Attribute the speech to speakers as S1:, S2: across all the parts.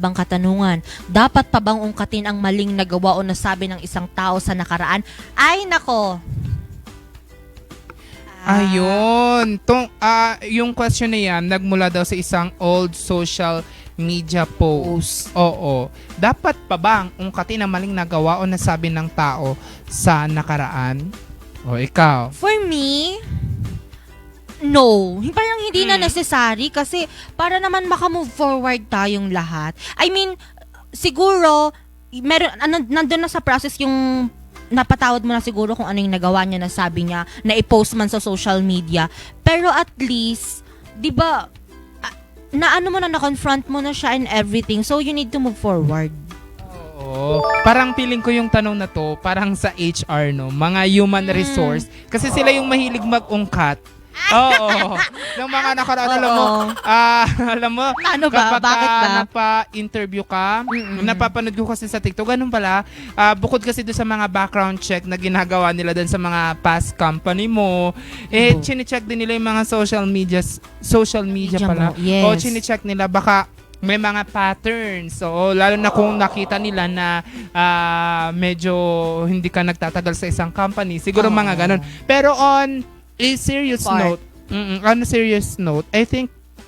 S1: mababang katanungan. Dapat pa bang ungkatin ang maling nagawa o nasabi ng isang tao sa nakaraan? Ay, nako!
S2: Ayun. Yung question na yan, nagmula daw sa isang old social media post. Oo. Dapat pa bang ungkatin ang maling nagawa o nasabi ng tao sa nakaraan? O, ikaw?
S1: For me, no. Parang hindi na necessary kasi para naman makamove forward tayong lahat. I mean, siguro, nandun na sa process yung napatawad mo na siguro kung ano yung nagawa niya, nasabi niya, na i-post man sa social media. Pero at least, di ba, na-confront mo na siya and everything. So, you need to move forward.
S2: Oo. Parang feeling ko yung tanong na to, parang sa HR, no? Mga human resource. Kasi sila yung mahilig mag-ungkat. Oo. Ng mga nakaraan, alam mo,
S1: Ano ba?
S2: kapag
S1: Bakit ba?
S2: napa-interview ka, napapanood ko kasi sa TikTok, ganun pala, bukod kasi doon sa mga background check na ginagawa nila doon sa mga past company mo, chine-check din nila yung mga social media pala.
S1: Yes.
S2: O, chine-check nila, baka may mga patterns. So, lalo na kung nakita nila na medyo hindi ka nagtatagal sa isang company, siguro mga ganun. Pero on a serious note, I think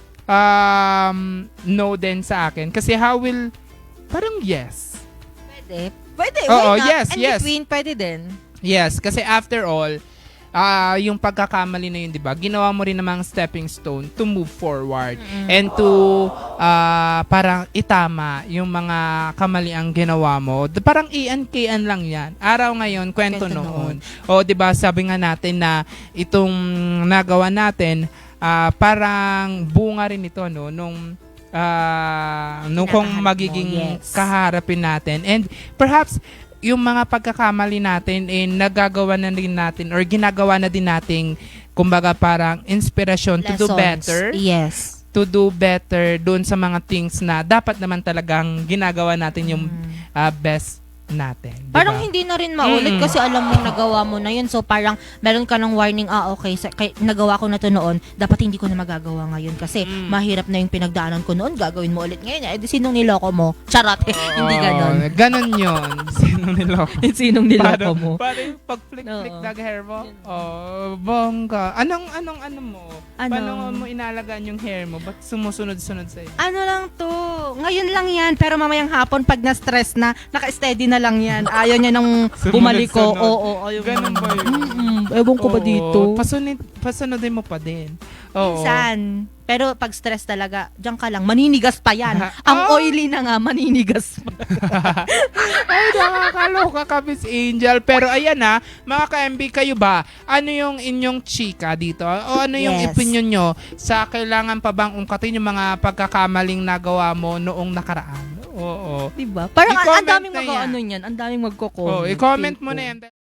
S2: no din sa akin. Kasi parang yes.
S1: Pwede.
S2: Oo,
S1: Why not?
S2: yes,
S1: And
S2: yes.
S1: between, pwede din.
S2: Yes, kasi after all, yung pagkakamali na yun, di ba? Ginawa mo rin namang stepping stone to move forward and to parang itama yung mga kamaliang ginawa mo. Parang ian-kian lang yan. Araw ngayon, kwento noon. O, di ba, sabi nga natin na itong nagawa natin, parang bunga rin ito, no? Nung kung magiging kaharapin natin. And perhaps, yung mga pagkakamali natin nagagawa na din natin or ginagawa na din nating kumbaga parang inspirasyon to do better.
S1: Yes.
S2: To do better doon sa mga things na dapat naman talagang ginagawa natin yung best natin. Diba?
S1: Parang hindi na rin maulit kasi alam mo nagawa mo na yun. So parang meron ka ng warning, okay, nagawa ko na to noon, dapat hindi ko na magagawa ngayon kasi mahirap na yung pinagdaanan ko noon, gagawin mo ulit ngayon. Eh, sinong niloko mo? Charot. Hindi ganon.
S2: Ganon yun. Sinong niloko?
S1: Sinong niloko mo?
S2: Parang pag-flick-flick na hair mo. Bongga. Anong mo? Paano mo inalagaan yung hair mo? Ba't sumusunod-sunod sa'yo?
S1: Ano lang to? Ngayon lang yan. Pero mamayang hapon, pag na-stress na, naka-steady na lang yan. Ayaw niya nang bumalik ko. Oo.
S2: Ganun ba yun?
S1: Ewan ko ba dito?
S2: Pasunodin mo pa din. Oo.
S1: Minsan. Pero pag stress talaga, diyan ka lang. Maninigas pa yan. Ang oily na nga, maninigas pa.
S2: Ay, nakakaloka ka, Miss Angel. Pero ayan mga ka-MB, kayo ba? Ano yung inyong chika dito? O ano yung opinion nyo sa kailangan pa bang ungkatin yung mga pagkakamaling nagawa mo noong nakaraan? Oo.
S1: Diba? Parang ang daming
S2: I-comment na
S1: mag-ano niyan. Ang daming magko-comment.
S2: i-comment mo na yan.